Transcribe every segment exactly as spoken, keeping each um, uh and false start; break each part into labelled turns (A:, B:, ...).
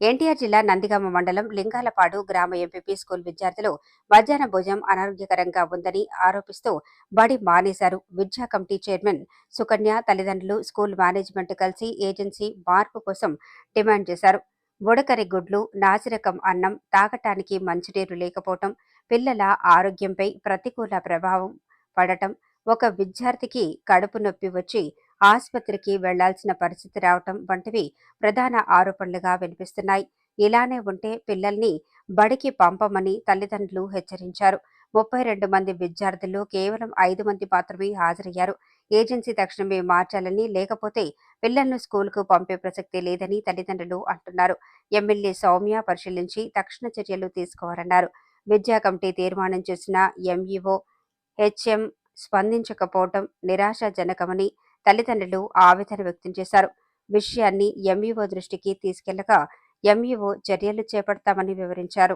A: ఎన్టీఆర్ జిల్లా నందిగామ మండలం లింగాలపాడు గ్రామ ఎంపీపీ స్కూల్ విద్యార్థులు మధ్యాహ్న భోజనం అనారోగ్యకరంగా ఉందని ఆరోపిస్తూ బడి మానేశారు. విద్యా కమిటీ చైర్మన్ సుకన్య తల్లిదండ్రులు స్కూల్ మేనేజ్మెంట్ కలిసి ఏజెన్సీ మార్పు కోసం డిమాండ్ చేశారు. బుడకరి గుడ్లు, నాసిరకం అన్నం, తాగటానికి మంచినీరు లేకపోవటం, పిల్లల ఆరోగ్యంపై ప్రతికూల ప్రభావం పడటం, ఒక విద్యార్థికి కడుపు నొప్పి వచ్చి ఆసుపత్రికి వెళ్లాల్సిన పరిస్థితి రావటం వంటివి ప్రధాన ఆరోపణలుగా వినిపిస్తున్నాయి. ఇలానే ఉంటే పిల్లల్ని బడికి పంపమని తల్లిదండ్రులు హెచ్చరించారు. ముప్పై రెండు మంది విద్యార్థులు కేవలం ఐదు మంది మాత్రమే హాజరయ్యారు. ఏజెన్సీ తక్షణమే మార్చాలని, లేకపోతే పిల్లలను స్కూల్కు పంపే ప్రసక్తి లేదని తల్లిదండ్రులు అంటున్నారు. ఎమ్మెల్యే సౌమ్య పరిశీలించి తక్షణ చర్యలు తీసుకోవాలన్నారు. విద్యా కమిటీ తీర్మానం చేసిన ఎంఈఓ హెచ్ఎం స్పందించకపోవడం నిరాశాజనకమని తల్లిదండ్రులు ఆవేదన వ్యక్తం చేశారు. విషయాన్ని ఎంఈఓ దృష్టికి తీసుకెళ్లగా ఎంఈఓ చర్యలు చేపడతామని వివరించారు.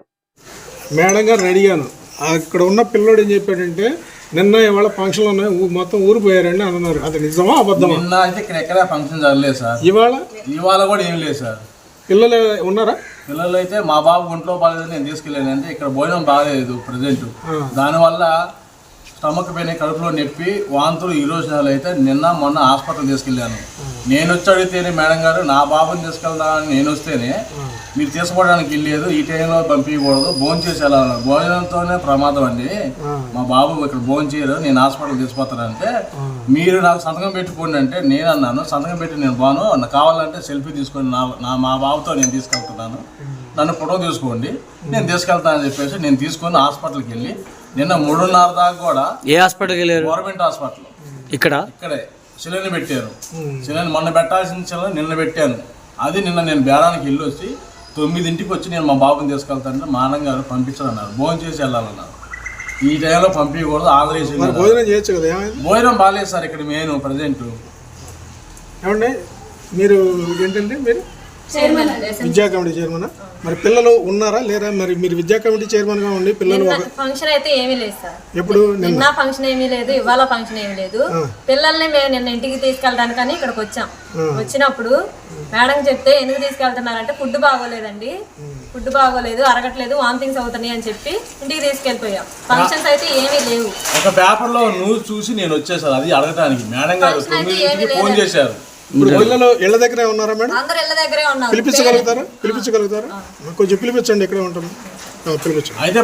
B: మేడం గారు అడిగాను, అక్కడ ఉన్న పిల్లోడు ఏం చెప్పాడంటే నిన్న ఇవాళ ఫంక్షన్లు ఉన్నాయి, మొత్తం ఊరు పోయారండి అన్నారు. అది నిజమా అబద్ధమా?
C: నిన్న అయితే ఇక్కడ ఎక్కడ ఫంక్షన్ జరగలేదు సార్.
B: ఇవాళ
C: ఇవాళ కూడా ఏం లేదు సార్.
B: పిల్లలు ఉన్నారా?
C: పిల్లలు అయితే మా బాబు ఒంట్లో బాగాలేదు, నేను తీసుకెళ్ళాను. అంటే ఇక్కడ భోజనం బాగాలేదు ప్రజెంట్. దానివల్ల స్టమక్ పెయిన్, కడుపులో నొప్పి, వాంతులు ఈ రోజు అయితే నిన్న మొన్న హాస్పిటల్ తీసుకెళ్ళాను. నేను వచ్చి అడిగితేనే మేడం గారు నా బాబుని తీసుకెళ్దామని నేను వస్తేనే మీరు తీసుకోవడానికి వెళ్ళలేదు, ఈ టైంలో పంపించకూడదు, భోజనం చేసి వెళ్ళాలి, భోజనంతోనే ప్రమాదం అండి, మా బాబు ఇక్కడ భోజనం చేయరు, నేను హాస్పిటల్ తీసుకుపోతానంటే మీరు నాకు సంతకం పెట్టుకోండి అంటే నేను అన్నాను, సంతకం పెట్టి నేను బాను, నాకు కావాలంటే సెల్ఫీ తీసుకొని నా నా మా బాబుతో నేను తీసుకెళ్తున్నాను, నన్ను ఫోటో తీసుకోండి, నేను తీసుకెళ్తానని చెప్పేసి నేను తీసుకొని హాస్పిటల్కి వెళ్ళి నిన్న మూడున్నర దాకా కూడా
D: ఏ హాస్పిటల్కి వెళ్ళారు?
C: గవర్నమెంట్ హాస్పిటల్ ఇక్కడ ఇక్కడే సిలిండర్ పెట్టారు. సిలిండర్ మొన్న పెట్టాల్సిన సిలిండర్ నిన్న పెట్టాను. అది నిన్న నేను బేరానికి వెళ్ళి వచ్చి తొమ్మిదింటికి వచ్చి నేను మా బాబుని తీసుకెళ్తానంటే మా అన్న గారు పంపించాలన్నారు, భోజనం చేసి వెళ్ళాలన్నారు. ఈ టైంలో పంపించకూడదు, ఆదరేసి
B: భోజనం చేయొచ్చు కదా.
C: భోజనం బాగాలేదు సార్ ఇక్కడ మెయిన్ ప్రజెంట్.
B: ఏమండి మీరు ఏంటంటే మీరు విద్యా కమిటీ చైర్మన్, మరి పిల్లలు ఉన్నారా లేరా? మరి మీరు విద్యా కమిటీ చైర్మన్ గా ఉండి పిల్లలు
E: ఫంక్షన్ అయితే ఏమీ లేదు సార్.
B: ఎప్పుడు
E: నిన్న ఫంక్షన్ ఏమీ లేదు, ఇవాళ ఫంక్షన్ ఏమీ లేదు. పిల్లల్ని మేము నిన్న ఇంటికి తీసుకెళ్ళడానికని ఇక్కడికి వచ్చాం. వచ్చినప్పుడు మేడం చెప్తే ఎందుకు తీసుకెళ్తున్నారంటే ఫుడ్ బాగోలేదండి, ఫుడ్ బాగోలేదు, అరగట్లేదు, వామిటింగ్స్ అవుతున్నాయి అని చెప్పి ఇంటికి తీసుకెళ్ళిపోయాం. ఫంక్షన్స్ అయితే ఏమీ లేవు.
C: ఒక పేపర్ లో న్యూస్ చూసి నేను వచ్చేసాను అది అడగడానికి. మేడం గారు ఫోన్ చేశారు.
B: పిల్లలు ఇళ్ళ దగ్గరే ఉన్నారా మేడం?
E: అందరూ ఇళ్ళ దగ్గరే ఉన్నారు.
B: పిలిపించగలుగుతారా? పిలిపించగలుగుతారా? కొంచెం పిలిపించండి, ఇక్కడే ఉంటాము, పిలిపించండి.
C: అయితే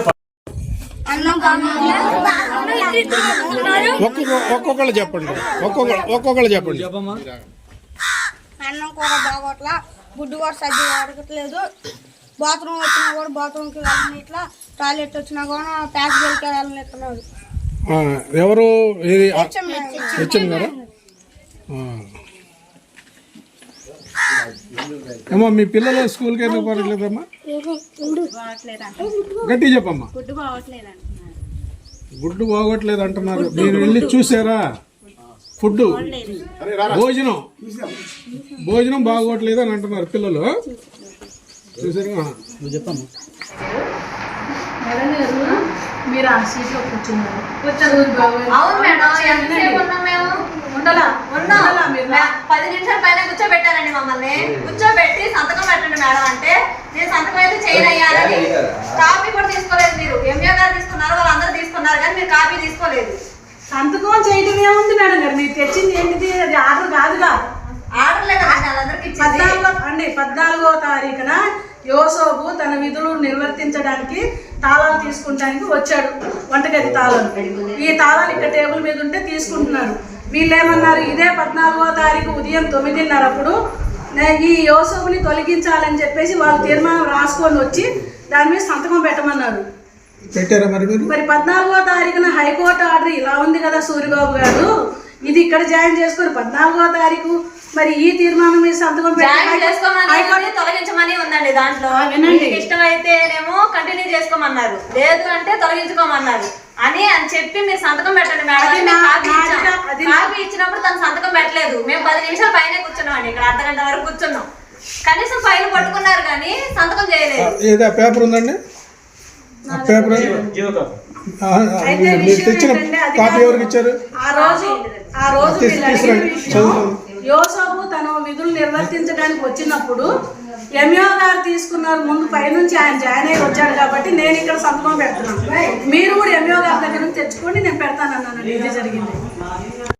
B: ఒక్కొక్క ఒక్కొక్కళ్ళు చెప్పండి, ఒక్కొక్క ఒక్కొక్కళ్ళు చెప్పండి.
F: అన్నం కూర బాగోట్లా, గుడ్డు కూడా సరిగ్గా అడగట్లేదు, బాత్రూమ్ వచ్చినా కూడా బాత్రూమ్కి వెళ్ళని, ఇట్లా టాయిలెట్ వచ్చినా కూడా ప్యాసేజ్కి వెళ్ళనిస్తున్నారు.
B: ఎవరు? హెచ్ఎం గారా? అమ్మా మీ పిల్లలు స్కూల్కి ఎందుకు పోవట్లేదమ్మా? గట్టి చెప్పమ్మా. గుడ్డు బాగోట్లేదు అంటున్నారు, మీరు వెళ్ళి చూసారా? ఫుడ్ భోజనం భోజనం బాగోట్లేదు అని అంటున్నారు పిల్లలు, చూసారా? నువ్వు చెప్పమ్మా.
G: మీరు ఆ సీట్లో కూర్చున్నారు.
E: అవును మేడం, ఎంతసేపు ఉన్నాం మేము? పది నిమిషాల పైన కూర్చోబెట్టారండి మమ్మల్ని. కూర్చోబెట్టి సంతకం పెట్టండి మేడం అంటే నేను సంతకం అయితే చేయనయ్యారని. కాపీ కూడా తీసుకోలేదు మీరు. ఎంఏ గారు తీసుకున్నారు, వాళ్ళందరూ తీసుకున్నారు, కానీ మీరు కాపీ తీసుకోలేదు.
G: సంతకం చేయడం ఏముంది మేడం గారు? మీరు తెచ్చింది ఏంటిది? అది ఆర్డర్ కాదుగా.
E: ఆర్డర్ లేదు వాళ్ళందరికీ.
G: అండి పద్నాలుగో తారీఖున యోసోబు తన విధులు నిర్వర్తించడానికి తాళాలు తీసుకుంటానికి వచ్చాడు, వంటగది తాళాలు. ఈ తాళాలు ఇక్కడ టేబుల్ మీద ఉంటే తీసుకుంటున్నాడు. వీళ్ళు ఏమన్నారు, ఇదే పద్నాలుగో తారీఖు ఉదయం తొమ్మిదిన్నరప్పుడు ఈ యోసోబుని తొలగించాలని చెప్పేసి వాళ్ళు తీర్మానం రాసుకొని వచ్చి దాని మీద సంతకం పెట్టమన్నారు.
B: పెట్టారా మరి?
G: మరి పద్నాలుగో తారీఖున హైకోర్టు ఆర్డర్ ఇలా ఉంది కదా సూర్యబాబు గారు, ఇది ఇక్కడ జాయిన్ చేసుకుని పద్నాలుగో తారీఖు మరి ఈ తీర్మానం మీద సంతకం
E: తొలగించమని ఉందండి. దాంట్లో ఇష్టమైతేనేమో కంటిన్యూ చేసుకోమన్నారు, లేదు అంటే తొలగించుకోమన్నారు అని అని చెప్పి మీరు సంతకం పెట్టండి మేడం. కాపీ ఇచ్చినప్పుడు తను సంతకం పెట్టలేదు. మేము పది నిమిషాల పైన కూర్చున్నాం అండి, ఇక్కడ అర్ధ గంట వరకు కూర్చున్నాం. కనీసం ఫైల్ పట్టుకున్నారు కానీ సంతకం చేయలేదు.
B: పేపర్ ఉందండి, పేపర్ తెచ్చిన కాపీ ఎవరికి ఇచ్చారు?
G: ఆ రోజు ఆ రోజు యోసోబు తన విధులు నిర్వర్తించడానికి వచ్చినప్పుడు ఎంఈఓ గారు తీసుకున్నారు ముందు పైనుంచి ఆయన జాయిన్ అయ్యి వచ్చాడు కాబట్టి నేను ఇక్కడ సంతకం పెడుతున్నాను. మీరు కూడా ఎంఈఓ గారి దగ్గర నుంచి తెచ్చుకోండి, నేను పెడతానన్నానండి. ఇది జరిగింది.